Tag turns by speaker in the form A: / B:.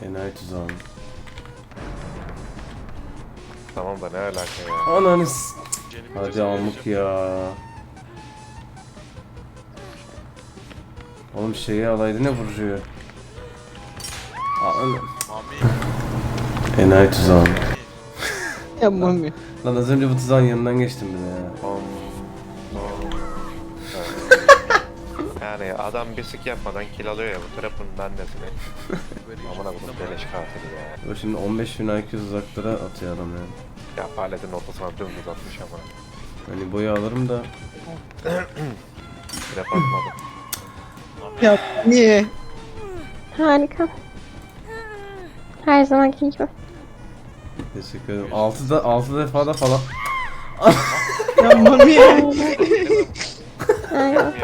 A: Enayi tuzağım.
B: Tamam da ne alaka ya?
A: Ananı
C: Jenimi
A: hadi
C: cezaya
A: amık
C: vereceğim.
A: ya. Oğlum şeyi alaydı ne vuruyor? Ananı.
C: Mami.
A: Enayi tuzağım.
D: Yapmam ya.
A: Lan az önce bu tuzağın yanından geçtim bile ya.
B: Yani adam bir sık yapmadan kill alıyor ya bu trap'ın annesini. Aman abim beleş katili ya.
A: O şimdi 15.000 IQ uzaklara atıyor adam yani.
B: Ya paletin ortasına dümdüz atmış ama.
A: Hani boyu alırım da
B: Trap atmadım.
D: Ya niye?
E: Harika. Her zamanki gibi.
A: teşekkür ederim. 6 defa da falan.
D: Yapmam ya.
E: Aynen.